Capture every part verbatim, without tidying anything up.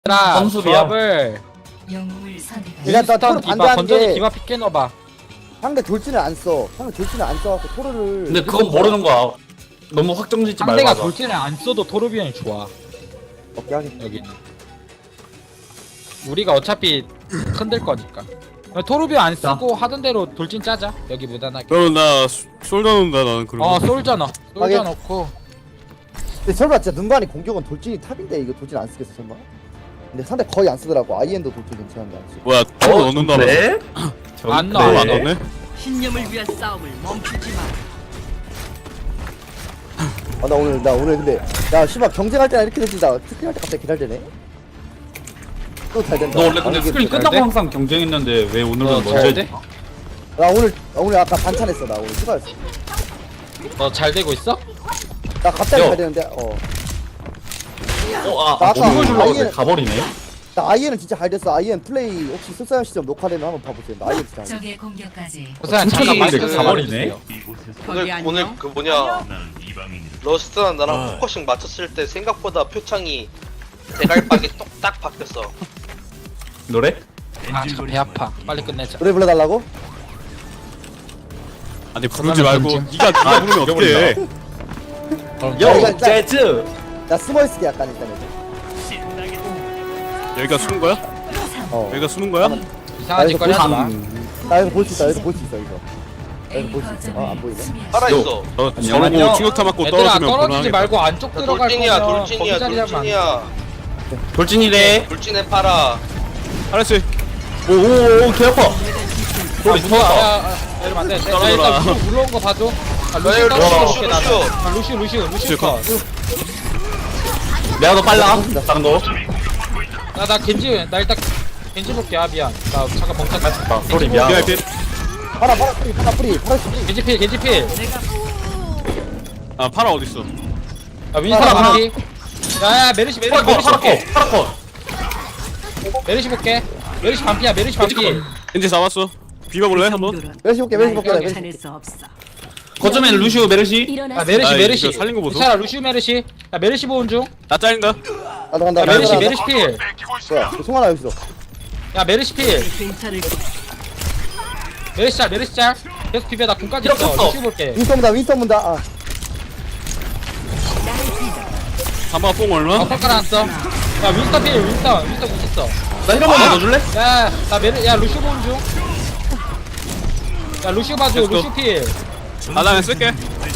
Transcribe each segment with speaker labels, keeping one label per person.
Speaker 1: 얘들아
Speaker 2: 점수비야.
Speaker 1: 조합을
Speaker 3: 영웅을 선택하십시오.
Speaker 4: 일단 나 토르
Speaker 1: 윈스턴 디바
Speaker 4: 반대한
Speaker 1: 건전지
Speaker 4: 게
Speaker 1: 디바 픽 깨놔봐.
Speaker 4: 상대 돌진을 안 써. 상대 돌진을 안 써갖고 토르를.
Speaker 2: 근데 그건 모르는 거야. 너무 확정 짓지 말고
Speaker 1: 상대가
Speaker 2: 하자.
Speaker 1: 돌진을 안 써도 토르비언이 좋아.
Speaker 4: 오케이 하긴.
Speaker 1: 여기는 우리가 어차피 흔들 거니까 토르비언 안 쓰고 하던 대로 돌진 짜자. 여기 무난하게.
Speaker 5: 그럼 나 소- 솔더 넣는다 나는 그러면.
Speaker 1: 어 솔져 넣어. 솔져
Speaker 4: 하긴.
Speaker 1: 넣고.
Speaker 4: 근데 설마 진짜 눈간이 공격은 돌진이 탑인데 이거 돌진 안 쓰겠어 설마? 근데 상대 거의 안 쓰더라고. 아이엔도 돌진 괜찮은데 안 쓰고.
Speaker 5: 뭐야 토 넣는다.
Speaker 2: 네?
Speaker 1: 안
Speaker 5: 토
Speaker 1: 넣어.
Speaker 5: 안 넣네?
Speaker 3: 신념을 위한 싸움을 멈추지 마.
Speaker 4: 아 나 오늘 나 오늘 근데 야 씨발 경쟁할 때나 이렇게 되지 나 스크린 할 때 갑자기 기다리네. 또 잘 된다.
Speaker 2: 너 원래 근데
Speaker 4: 아, 이게
Speaker 2: 스크린
Speaker 4: 잘
Speaker 2: 끝나고
Speaker 1: 돼?
Speaker 2: 항상 경쟁했는데 왜 오늘은
Speaker 1: 너
Speaker 2: 먼저
Speaker 1: 잘
Speaker 2: 했지?
Speaker 1: 돼?
Speaker 4: 나 오늘 나 오늘 아까 반찬했어. 나 오늘 휴가였어.
Speaker 1: 너 잘 되고 있어?
Speaker 4: 나 갑자기
Speaker 2: 야.
Speaker 4: 잘 되는데 어.
Speaker 2: 어, 아,
Speaker 4: 나
Speaker 2: 아
Speaker 4: 아까
Speaker 2: 너무 주려고
Speaker 4: 아이엔-
Speaker 2: 했는데 가버리네.
Speaker 4: 나 아이엔은 진짜 잘 됐어. 아이엔 플레이 혹시 쓸사연 시점 녹화되면 한번 봐보세요. 나 아이엔 진짜. 잘 됐어.
Speaker 3: 적의 공격까지
Speaker 1: 그냥
Speaker 2: 진짜
Speaker 1: 잠깐 마이크
Speaker 2: 근데 가버리네.
Speaker 3: 거기
Speaker 6: 오늘
Speaker 3: 안녕.
Speaker 6: 오늘 그 뭐냐 러스트랑 나랑 포커싱 맞췄을 때 생각보다 표창이 대갈박이 똑딱 바뀌었어.
Speaker 2: 노래?
Speaker 1: 아 잠깐 배 아파. 빨리 끝내자.
Speaker 4: 노래 불러달라고?
Speaker 5: 아니 부르지 말고
Speaker 1: 던짐.
Speaker 5: 니가 니가 부르면 어떡해.
Speaker 1: 그럼
Speaker 4: 야, 이거
Speaker 2: 요
Speaker 4: 일단-
Speaker 2: 재즈.
Speaker 4: 나 숨어 있을게 약간 일단은.
Speaker 5: 여기가 숨은 거야?
Speaker 4: 어.
Speaker 5: 여기가 숨은 거야?
Speaker 1: 이상한 짓거리 하지 마.
Speaker 4: 나 여기서 볼 수 있어. 여기서 볼 수 있어 이거. 여기서 볼 수 있어. 어, 안 보이네.
Speaker 6: 살아 있어.
Speaker 5: 저
Speaker 2: 안녕, 안녕.
Speaker 5: 저러고 충격타 맞고
Speaker 1: 얘들아
Speaker 5: 떨어지면
Speaker 1: 떨어지지
Speaker 5: 곤란하겠다.
Speaker 1: 말고 안쪽 들어갈
Speaker 6: 돌진이야,
Speaker 1: 거면
Speaker 6: 돌진이야,
Speaker 1: 거기 자리 잡으면 안 돼.
Speaker 6: 돌진이야.
Speaker 2: 돌진이래.
Speaker 6: 돌진해 팔아.
Speaker 5: 알았지.
Speaker 2: 오오오 개 아파.
Speaker 1: 아,
Speaker 2: 우리
Speaker 1: 무서워.
Speaker 2: 터졌다.
Speaker 1: 야, 야, 이러면 안 돼. 야,
Speaker 5: 떨어져라.
Speaker 1: 일단 루시오 물러온 거 봐줘. 아, 루시오
Speaker 6: 루시오,
Speaker 1: 떨어져
Speaker 6: 루시오,
Speaker 1: 볼게, 나는.
Speaker 6: 루시오.
Speaker 1: 아, 루시오, 루시오, 루시오 컷.
Speaker 2: 내가 더 빨라. 장도.
Speaker 1: 나, 나 겐지, 나 일단 겐지 볼게. 아, 미안. 나 잠깐 멍청했다.
Speaker 2: 아, 소리 미안.
Speaker 5: 비아이피.
Speaker 4: 파라 파라 뿌리 파라 뿌리 파라 뿌리.
Speaker 1: 겐지 필, 겐지 필.
Speaker 5: 아 파라 어디 있어?
Speaker 1: 야, 윈스턴
Speaker 2: 하나,
Speaker 1: 반피. 야, 야, 메르시, 메르시,
Speaker 2: 파라컷
Speaker 1: 메르시 볼게.
Speaker 2: 파라컷 파라컷.
Speaker 1: 메르시 볼게. 메르시 반피야, 메르시 반피.
Speaker 5: 이제 잡았어. 비벼볼래 한번?
Speaker 4: 멜시 볼게 멜시 볼게 나 멜시.
Speaker 3: 찾을 수 없어.
Speaker 2: 거점엔 루시오 메르시.
Speaker 1: 야, 메르시,
Speaker 5: 아,
Speaker 1: 메르시.
Speaker 5: 이거 살린 거 보소.
Speaker 1: 괜찮아, 루시오 메르시. 야, 메르시 보온 중.
Speaker 5: 나 잘린다.
Speaker 4: 나도 간다.
Speaker 1: 야,
Speaker 4: 나도
Speaker 1: 메르시,
Speaker 4: 간다.
Speaker 1: 메르시 필.
Speaker 4: 뭐야? 그 송하나 여기서.
Speaker 1: 야, 메르시 필.
Speaker 3: 괜찮을 거.
Speaker 1: 메르시 짤, 메르시 짤. 계속 비벼, 나 군까지
Speaker 2: 이렇게
Speaker 1: 있어.
Speaker 2: 없어.
Speaker 1: 루시오 볼게.
Speaker 4: 윈스턴 문다 윈스턴 문다. 아.
Speaker 5: 잠바 뽕
Speaker 1: 아,
Speaker 5: 얼마?
Speaker 1: 펄 깔아놨어. 야, 윈스턴 필, 윈스턴. 윈스턴 공 있어.
Speaker 2: 나 힐한 번만 넣어줄래?
Speaker 1: 야, 나 메르, 야, 루시오 보온 중. 야, 루시오 봐줘,
Speaker 5: Let's go.
Speaker 1: 루시오 필.
Speaker 5: 아 나 쓸게.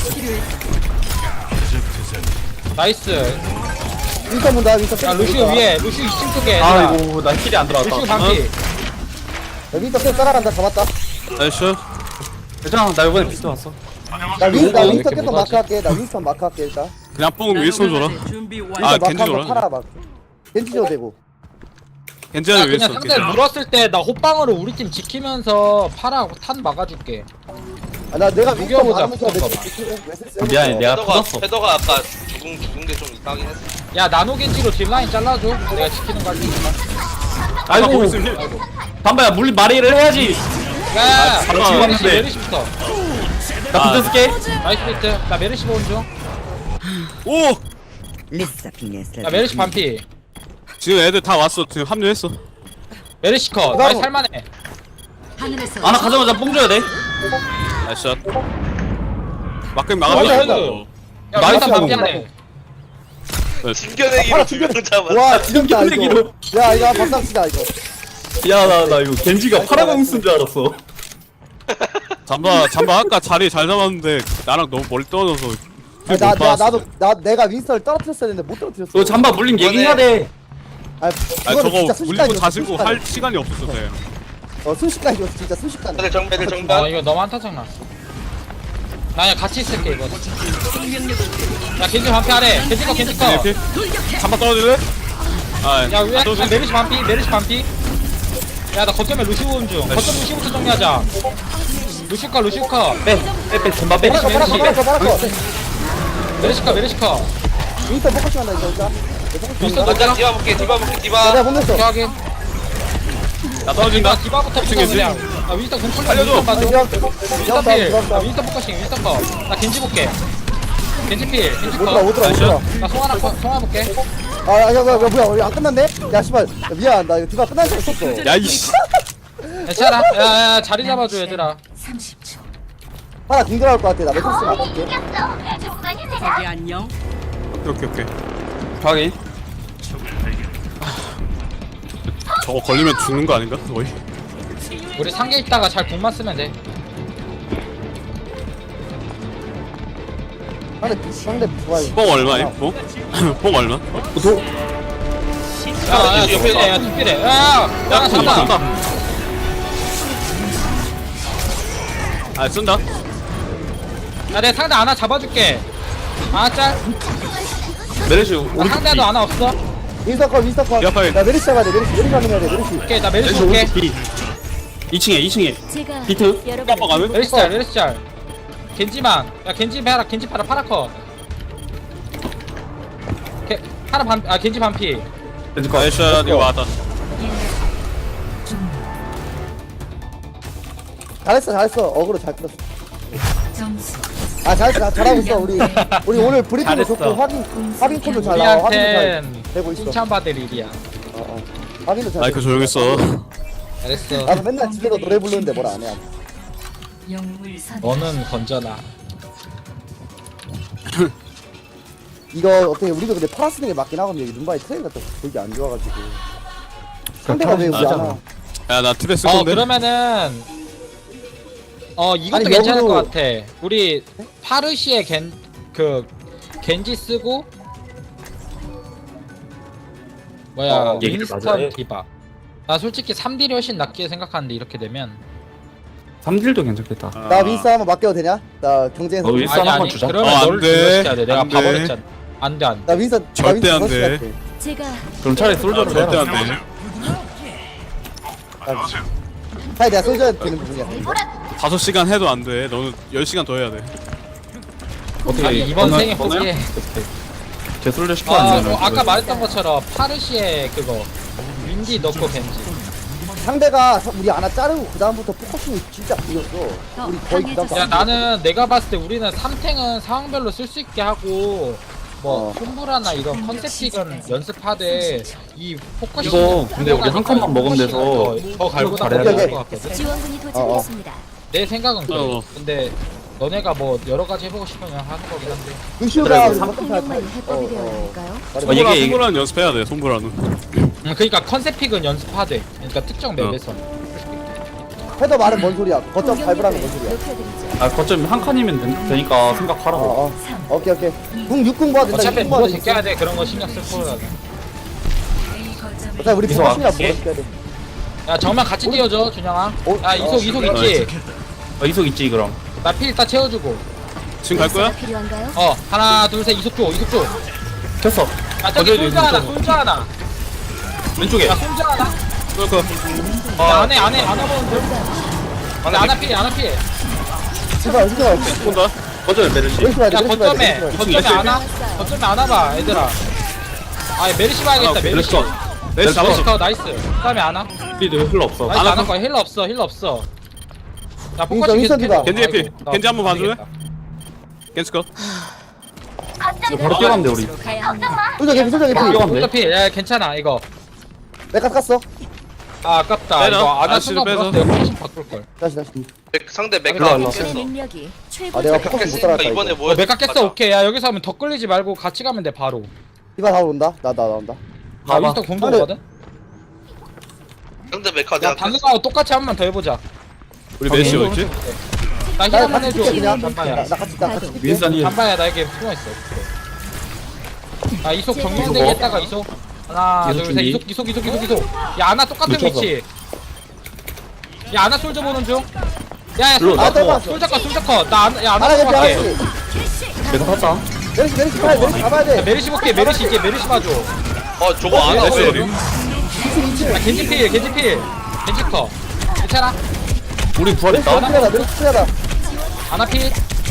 Speaker 1: 나이스.
Speaker 4: 윈스턴 문다 윈스턴.
Speaker 1: 야, 루시오 위에, 루시오 이 층 쪽에. 얘들아.
Speaker 2: 아이고 나 힐이 안 들어왔다.
Speaker 1: 루시오 반피.
Speaker 4: 야, 윈스턴 계속 따라간다. 잡았다.
Speaker 5: 나이스.
Speaker 2: 괜찮아 나 이번에 비트 왔어.
Speaker 4: 나 윈, 나
Speaker 1: 왜
Speaker 4: 윈스턴
Speaker 1: 이렇게
Speaker 4: 계속
Speaker 1: 못하지?
Speaker 4: 마크 할게. 나 윈스턴 마크 할게 일단.
Speaker 5: 그냥 뽕 윈스턴 줘라.
Speaker 3: 준비 완료.
Speaker 5: 아,
Speaker 4: 윈스턴 마크
Speaker 5: 겐지
Speaker 4: 한번
Speaker 5: 줘라.
Speaker 4: 팔아 막. 겐지 줘도 되고.
Speaker 1: 야,
Speaker 5: 겐지한테
Speaker 1: 그냥
Speaker 5: 윈스턴.
Speaker 1: 상대 물었을 때 나 호빵으로 우리 팀 지키면서 파라 탄 막아줄게.
Speaker 4: 아, 나 내가 윈스턴
Speaker 1: 녹여보자,
Speaker 4: 막으면서
Speaker 1: 붙은 거
Speaker 4: 내
Speaker 2: 미안해, 내가
Speaker 6: 헤더가
Speaker 2: 터졌어.
Speaker 6: 헤더가 아까 죽은 죽은 게 좀 이상하긴 했어.
Speaker 1: 야, 나노 겐지로 뒷라인 잘라줘. 내가 지키는 거 할테니까.
Speaker 5: 아이고
Speaker 2: 아이고.
Speaker 5: 있으면 힐.
Speaker 1: 아이고.
Speaker 2: 담바야 물리 마리를 해야지.
Speaker 1: 야,
Speaker 5: 아,
Speaker 1: 메르시,
Speaker 5: 잠깐만.
Speaker 1: 메르시, 메르시부터.
Speaker 2: 나
Speaker 5: 아.
Speaker 2: 비트 쓸게.
Speaker 1: 나이스 비트. 나 메르시 보온 중.
Speaker 5: 오!
Speaker 1: 야, 메르시 반피.
Speaker 5: 지금 애들 다 왔어. 지금 합류했어.
Speaker 1: 메르시 컷. 나이스 살만해.
Speaker 3: 하늘에서
Speaker 2: 아나 가자마자 뽕 줘야 돼.
Speaker 5: 나이스 샷. 막금
Speaker 1: 나이스.
Speaker 5: 막아줘.
Speaker 1: 야,
Speaker 2: 나이스
Speaker 1: 나이스 반피 하네.
Speaker 6: 진겨내기로 두 명 잡았어.
Speaker 4: 와 지렸다 이거.
Speaker 2: 튕겨내기로.
Speaker 4: 야 이거 박상치다 이거.
Speaker 2: 야 나 나 이거 겐지가 파라공 쓴 줄 알았어.
Speaker 5: 잠바 잠바 아까 자리 잘 잡았는데 나랑 너무 멀리 떨어져서.
Speaker 4: 아, 나, 나 나도 나 내가 윈스턴을 떨어뜨렸어야 했는데 못 떨어뜨렸어.
Speaker 2: 너 잠바 물림 얘기해야 돼.
Speaker 4: 아,
Speaker 5: 아
Speaker 4: 그거는
Speaker 5: 저거
Speaker 4: 진짜
Speaker 5: 물리고
Speaker 4: 순식간이었어,
Speaker 5: 다시고
Speaker 4: 순식간에.
Speaker 5: 할 시간이 없었어. 쟤.
Speaker 4: 어 순식간이었어 진짜 순식간.
Speaker 6: 애들 정배 애들
Speaker 1: 아,
Speaker 6: 정배.
Speaker 1: 이거 너무 한타 장난. 나 그냥 같이 있을게 이거. 야, 겐지 반피 하래. 겐지 거, 겐지 거.
Speaker 5: 이렇게 잠바 떨어질래? 아,
Speaker 1: 야, 왜?
Speaker 5: 안 떨어져.
Speaker 1: 메르시 반피, 메르시 반피. 야, 나 거점에 루시오 온 중. 거점 루시오부터 정리하자. 루시오 컷, 루시오 컷.
Speaker 2: 빼빼빼 잠바 빼.
Speaker 4: 빨아서 빨아서 빨아서 빨아서.
Speaker 1: 메르시 컷, 메르시 컷.
Speaker 4: 윈스턴 포커싱 한다 이거 일단.
Speaker 1: 윈스턴
Speaker 6: 먼저
Speaker 1: 넣자.
Speaker 6: 디바 볼게 디바 볼게
Speaker 4: 야,
Speaker 6: 디바.
Speaker 4: 내가 혼냈어.
Speaker 1: 오케이, 확인.
Speaker 5: 나 떨어진다.
Speaker 1: 디바부터
Speaker 5: 미친
Speaker 1: 붙어
Speaker 5: 겐지.
Speaker 1: 그냥. 야, 윈스턴 공 풀려.
Speaker 5: 살려줘.
Speaker 1: 윈스턴 봐줘. 윈스턴
Speaker 4: 다
Speaker 1: 필. 야,
Speaker 4: 다
Speaker 1: 윈스턴 포커싱, 윈스턴 거. 나 겐지 볼게. 겐지 필, 겐지
Speaker 4: 오더라
Speaker 1: 컷.
Speaker 4: 오더라
Speaker 5: 나이스.
Speaker 4: 오더라.
Speaker 1: 나 송하나 컷, 송하 볼게.
Speaker 4: 아, 야, 야, 야, 뭐야, 우리 안 끝났네? 야, 씨발, 야, 미안, 나 이거 디바 끝난 줄 알았어.
Speaker 5: 야 이씨.
Speaker 1: 괜찮아. 야야 자리 잡아줘 얘들아.
Speaker 3: 삼십 초.
Speaker 4: 하나 공격할 것 같아. 나 매트리스 맞을게.
Speaker 3: 거기 안녕.
Speaker 5: 오케이 오케이.
Speaker 2: 확인.
Speaker 5: 저거 걸리면 죽는 거 아닌가? 거의.
Speaker 1: 우리 상계 있다가 잘 궁만 쓰면 돼.
Speaker 4: 상대, 상대 좋아요.
Speaker 5: 뽕 얼마임? 뽕? 뽕 얼마?
Speaker 2: 도.
Speaker 1: 야야 투피래 야 투피래. 야야 잡아.
Speaker 5: 아 쓴다.
Speaker 1: 야 내 상대 하나 잡아줄게. 아 짤.
Speaker 2: 메르시
Speaker 1: 나
Speaker 2: 오른쪽
Speaker 1: 상대도 하나 없어.
Speaker 4: 윈스터 컷, 윈스터 컷.
Speaker 5: 야, 빨리.
Speaker 4: 나 메리시 잡아야 돼, 메리시. 메리시 확인해야 돼, 메리시.
Speaker 1: 오케이 나 메르시
Speaker 2: 메르시
Speaker 1: 볼게.
Speaker 2: 오른쪽 B. 이 층에 이 층에
Speaker 3: 제가
Speaker 2: 비트.
Speaker 5: 깜빡 가면?
Speaker 1: 메르시 짤 메르시 짤. 겐지만. 야 겐지 해라 겐지 팔아 파라커. 게 하나 반아 겐지 반피.
Speaker 2: 렌즈카.
Speaker 5: 에이샤 이거 왔다.
Speaker 4: 잘했어, 잘했어. 어그로 잘 끌었어.
Speaker 3: 점수
Speaker 4: 아, 잘했어. 잘- 잘하고 있어. 우리, 우리 오늘 브리핑도
Speaker 1: 잘했어.
Speaker 4: 좋고, 확인, 확인 콜도 잘 나와. 확인도 잘
Speaker 1: 우리한텐
Speaker 4: 되고 있어.
Speaker 1: 칭찬받을 일이야.
Speaker 4: 어, 어. 확인도 잘
Speaker 5: 마이크
Speaker 4: 되고
Speaker 5: 조용했어.
Speaker 1: 잘했어.
Speaker 4: 나도 맨날 집에서 노래 부르는데 뭘 안 해.
Speaker 3: 영웅을 선.
Speaker 1: 너는 건져라.
Speaker 4: 이거 어떻게 우리도 근데 팔아 쓰는 게 맞긴 하거든요. 이게 눈바이 트레이가 또 되게 안 좋아가지고. 상대가 왜 우리 안 와?
Speaker 5: 야나 트레 쓸
Speaker 1: 어
Speaker 5: 건데.
Speaker 1: 그러면은 어 이것도
Speaker 4: 아니,
Speaker 1: 괜찮을
Speaker 4: 역으로-
Speaker 1: 것 같아. 우리 파르시에 겐 그 겐지 쓰고 뭐야
Speaker 2: 어, 얘기를 맞아야
Speaker 1: 윈스턴
Speaker 2: 해.
Speaker 1: 디바. 나 솔직히 삼 딜이 훨씬 낫게 생각하는데 이렇게 되면
Speaker 2: 삼 딜도 괜찮겠다.
Speaker 4: 나 윈스 한번 맡겨도 되냐? 나 경쟁에서.
Speaker 2: 어, 윈스
Speaker 1: 아니
Speaker 2: 한번
Speaker 1: 아니
Speaker 2: 주자.
Speaker 1: 그러면
Speaker 5: 어, 안
Speaker 1: 너를
Speaker 5: 돼.
Speaker 1: 딜러시켜야 돼. 내가
Speaker 5: 안 돼.
Speaker 1: 봐버렸잖아. 안돼 안돼.
Speaker 4: 나 윈스 나
Speaker 5: 절대 안
Speaker 4: 윈스
Speaker 5: 돼.
Speaker 4: 할게.
Speaker 3: 제가
Speaker 2: 그럼 차라리 솔저로
Speaker 5: 절대
Speaker 2: 해라.
Speaker 5: 안 돼.
Speaker 4: 사실 내가 솔져야 되는 부분이야.
Speaker 5: 다섯 시간 해도 안 돼. 너는 열 시간 더 해야 돼.
Speaker 2: 어떻게
Speaker 1: 아니 이번
Speaker 2: 건너-
Speaker 1: 생에
Speaker 2: 건너요?
Speaker 1: 포기해.
Speaker 2: 제 솔저 시켜
Speaker 1: 아,
Speaker 2: 안
Speaker 1: 뭐
Speaker 2: 되면
Speaker 1: 아까 말했던 것처럼 파르시에 그거 윈디 넣고 겐지.
Speaker 4: 상대가 우리 하나 자르고 그 다음부터 포커싱이 진짜 이겼어.
Speaker 3: 더
Speaker 4: 우리 거의 그다음
Speaker 3: 강해졌어.
Speaker 1: 야 나는 내가 봤을 때 우리는 삼 탱은 상황별로 쓸 수 있게 하고 뭐
Speaker 4: 어.
Speaker 1: 콤브라나 이런 컨셉픽은 연습하되 이 포커싱
Speaker 2: 이거 근데 우리 한 칸만 먹으면 돼서
Speaker 1: 더 갈고
Speaker 2: 잘해야
Speaker 1: 나가야
Speaker 4: 돼.
Speaker 1: 될것 같거든.
Speaker 3: 지원군이
Speaker 4: 어, 어.
Speaker 3: 도착했습니다.
Speaker 1: 내 생각은 그래.
Speaker 5: 어.
Speaker 1: 근데 너네가 뭐 여러 가지 해보고 싶으면 하는 거긴 한데.
Speaker 4: 루시오가
Speaker 2: 그래,
Speaker 4: 우리
Speaker 2: 삼-
Speaker 4: 한번 잘
Speaker 3: 공격만 해법이 되어 있을까요?
Speaker 2: 어,
Speaker 5: 손보라
Speaker 2: 이게- 이게-
Speaker 5: 손보라는 연습해야 돼. 손보라는.
Speaker 1: 음, 그러니까 컨셉픽은 연습하되. 그러니까 특정 맵에서.
Speaker 4: 헤더 말은 뭔 소리야? 거점 밟으라는 뭔 소리야?
Speaker 3: 높여드리죠.
Speaker 2: 아 거점 한 칸이면 된- 되니까 생각하라고.
Speaker 4: 어, 어. 오케이 오케이. 궁 육 궁 봐도 된다.
Speaker 1: 어차피
Speaker 4: 육 궁 봐도
Speaker 1: 물어
Speaker 4: 있어.
Speaker 1: 제껴야 돼. 그런 거 신경 쓸 거야.
Speaker 4: 어차피 우리
Speaker 2: 이소
Speaker 4: 포커싱이라
Speaker 2: 갈게.
Speaker 4: 물어 줘야 돼.
Speaker 1: 야 정면 같이 뛰어줘 준영아.
Speaker 4: 어?
Speaker 1: 야 이속
Speaker 4: 어,
Speaker 1: 이속
Speaker 2: 어,
Speaker 1: 있지.
Speaker 2: 어, 이속 있지 그럼.
Speaker 1: 나 피 일단 채워주고.
Speaker 5: 지금 갈 거야?
Speaker 3: 필요한가요?
Speaker 1: 어 하나 둘 셋 이속 줘 이속 줘.
Speaker 2: 켰어.
Speaker 1: 야 저기
Speaker 2: 어디,
Speaker 1: 솔져 하나
Speaker 2: 어디,
Speaker 1: 솔져 하나.
Speaker 2: 왼쪽에.
Speaker 1: 야 솔져 하나.
Speaker 5: 그렇고.
Speaker 1: 야 안에 안에 안아 보는데. 안에 안아 피해 안아 피해.
Speaker 4: 제발 제발.
Speaker 5: 온다.
Speaker 2: 거점에 메르시.
Speaker 4: 메리시 봐야 돼.
Speaker 1: 야
Speaker 4: 메리시 봐야 돼.
Speaker 1: 거점에
Speaker 4: 메리시 봐야 돼.
Speaker 1: 거점에 안아. 거점에 안아봐 얘들아. 아 메르시 봐야겠다 메르시.
Speaker 2: 메르시 컷.
Speaker 5: 내가
Speaker 2: 메르시
Speaker 5: 잡았어.
Speaker 1: 메르시 컷 나이스. 그다음에 안아.
Speaker 2: 우리도 흘러 없어.
Speaker 1: 나이스
Speaker 5: 안아
Speaker 1: 안할 거야 힐러 없어 힐러 없어. 야
Speaker 4: 윈선,
Speaker 1: 포커싱 계속
Speaker 4: 윈선이다.
Speaker 1: 해줘.
Speaker 5: 겐지 해피.
Speaker 1: 아이고, 나
Speaker 5: 겐지 한번 봐줄래?
Speaker 1: 모르겠다.
Speaker 5: 겐스커.
Speaker 3: 제가
Speaker 2: 바로 뛰어가는데, 우리.
Speaker 3: 곳으로 가야 합니다.
Speaker 4: 솔저 개피 솔저 개피.
Speaker 2: 뛰어간대.
Speaker 1: 어차피 야 괜찮아 이거.
Speaker 4: 내가 깠어.
Speaker 1: 아 아깝다.
Speaker 5: 빼라.
Speaker 1: 이거 안아
Speaker 5: 아저씨를
Speaker 1: 순간
Speaker 5: 빼서.
Speaker 1: 물었을 때 포커싱 바꿀 걸.
Speaker 4: 다시 다시.
Speaker 6: 맥- 상대 맥
Speaker 1: 일로 와, 일로 와.
Speaker 6: 깼어.
Speaker 3: 내 능력이 최고.
Speaker 4: 아 내가 포커싱 못
Speaker 6: 깼으니까
Speaker 4: 따라갔다
Speaker 6: 이번에
Speaker 4: 이거.
Speaker 6: 뭐
Speaker 1: 어, 메카 깼어 오케이. 야 여기서 하면 더 끌리지 말고 같이 가면 돼 바로.
Speaker 4: 디바 다 온다. 나 나 나온다.
Speaker 1: 나
Speaker 2: 봐봐.
Speaker 1: 윈스턴 공도 오거든.
Speaker 6: 상대 메카
Speaker 1: 야
Speaker 6: 내가
Speaker 1: 방금하고 똑같이 한 번 더 해보자.
Speaker 5: 우리 메시 어디 있지?
Speaker 1: 나 힐
Speaker 4: 나
Speaker 1: 한번
Speaker 4: 같이
Speaker 1: 해줘.
Speaker 4: 뛸게 그냥. 나,
Speaker 1: 잠바야.
Speaker 4: 나 같이 나 같이 뛸게.
Speaker 2: 윈선이
Speaker 1: 잠바야 나에게 숨어 있어. 그래. 아 이속 정면대기 했다가 이속. 하나
Speaker 2: 이속
Speaker 1: 둘 셋
Speaker 2: 준비.
Speaker 1: 이속 이속 이속 이속 이속. 야 아나 똑같은
Speaker 2: 늦춰서.
Speaker 1: 위치. 야 아나 솔져 보는 중. 야야
Speaker 2: 일로
Speaker 1: 솔져
Speaker 4: 나.
Speaker 1: 컷 솔져 컷 솔져 컷. 나 아나 야 아나
Speaker 4: 하나
Speaker 1: 좀
Speaker 4: 개피
Speaker 1: 할게.
Speaker 4: 하나씩.
Speaker 2: 계속 하자.
Speaker 4: 메리시 메리시 봐야 돼. 메리시 잡아야
Speaker 1: 야,
Speaker 4: 돼.
Speaker 1: 메르시 볼게 메르시 이제 메르시 봐줘.
Speaker 6: 어 저거 안
Speaker 5: 메시
Speaker 6: 와.
Speaker 5: 어디?
Speaker 1: 야 겐지 필 겐지 필 겐지 컷. 괜찮아.
Speaker 2: 우리 부활했다.
Speaker 4: 메리시 필요하다. 메리시 필요하다.
Speaker 1: 아나 필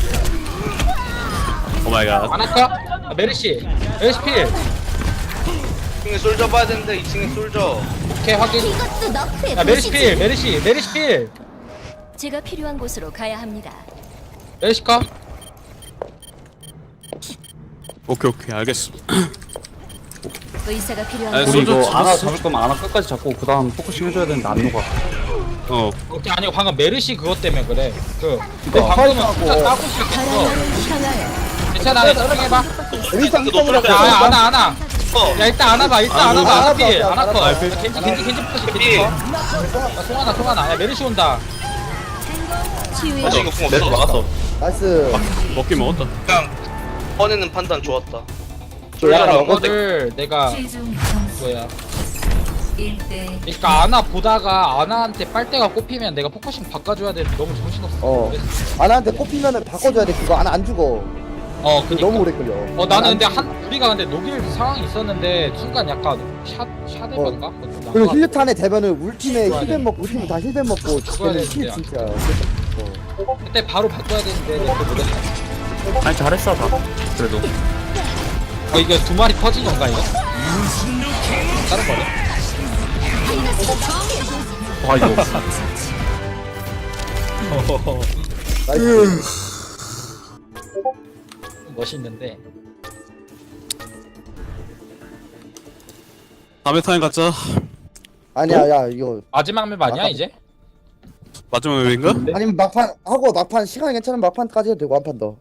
Speaker 5: 오 마이 갓.
Speaker 1: 아나 컷. 아, 메르시 메르시 필.
Speaker 6: 이 층에 솔져 봐야 되는데 이 층에 솔져.
Speaker 1: 오케이 확인.
Speaker 3: 이것도 너프의
Speaker 1: 야 메르시
Speaker 3: 도시지.
Speaker 1: 필 메르시 메르시 필
Speaker 3: 제가 필요한 곳으로 가야 합니다.
Speaker 1: 메르시 컷.
Speaker 5: 오케이 오케이 알겠어.
Speaker 3: 의사가 필요한
Speaker 5: 아니,
Speaker 3: 곳으로
Speaker 2: 우리
Speaker 5: 소주
Speaker 2: 이거 아나
Speaker 5: 죽었어.
Speaker 2: 잡을 거면 아나 끝까지 잡고 그 다음 포커싱 해줘야 되는데 안 녹아.
Speaker 5: 어
Speaker 1: 그게 아니고 방금 메르시 그것 때문에 그래. 그 내
Speaker 4: 어,
Speaker 1: 방금은
Speaker 4: 화이트하고.
Speaker 1: 진짜 따고 시작했어.
Speaker 3: 바람을 향하여
Speaker 1: 괜찮아, 집중해봐.
Speaker 4: 일단
Speaker 6: 이거 노플
Speaker 1: 야, 야, 안아, 안아.
Speaker 6: 어.
Speaker 1: 야, 일단 안아봐, 일단
Speaker 5: 아,
Speaker 1: 안아봐.
Speaker 4: 알았어,
Speaker 1: 안아피,
Speaker 4: 알았어,
Speaker 1: 안아커.
Speaker 4: 알았어.
Speaker 1: 겐지, 겐지, 겐지부터 시,
Speaker 6: 피.
Speaker 1: 겐지. 야, 송하나, 송하나. 야, 메르시 온다.
Speaker 3: 치유의
Speaker 6: 아직 이거 궁
Speaker 2: 내가
Speaker 6: 없어.
Speaker 2: 막았어.
Speaker 4: 나이스.
Speaker 5: 먹긴 먹었다.
Speaker 6: 그냥 꺼내는 판단 좋았다.
Speaker 4: 야,
Speaker 6: 졸라
Speaker 4: 먹어.
Speaker 1: 이거를 내가 뭐야? 그러니까 아나 보다가 아나한테 빨대가 꼽히면 내가 포커싱 바꿔줘야 되는데 너무 정신없어.
Speaker 4: 어.
Speaker 1: 그래서-
Speaker 4: 아나한테 꼽히면은 바꿔줘야 돼. 그거 아나 안 죽어.
Speaker 1: 어,
Speaker 4: 그거
Speaker 1: 그니까.
Speaker 4: 너무 오래 걸려.
Speaker 1: 어, 나는 근데 한 우리가 근데 녹일 상황이 있었는데 순간 약간 샷 샷해본가?
Speaker 4: 그리고 힐탄에 되면은 울팀에
Speaker 1: 죽어야 돼.
Speaker 4: 힐벤 먹고 울팀 다 힐벤 먹고
Speaker 1: 죽어야
Speaker 4: 걔는 힐
Speaker 1: 되는데,
Speaker 4: 진짜. 어.
Speaker 1: 그때 바로 바꿔야 되는데 내가 그거 못했어.
Speaker 2: 아니 잘했어 다. 그래도.
Speaker 1: 어, 이거 두 마리 퍼진 건가 이거? 다른 거네.
Speaker 2: 아 이거.
Speaker 4: 나이스.
Speaker 1: 멋있는데.
Speaker 5: 다음에 타임 갖자.
Speaker 4: 아니야, 야 이거
Speaker 1: 마지막 맵 아니야
Speaker 4: 아까-
Speaker 1: 이제?
Speaker 5: 마지막 맵인가?
Speaker 4: 아니면 막판 하고 막판 시간이 괜찮으면 막판까지 해도 되고 한 판 더.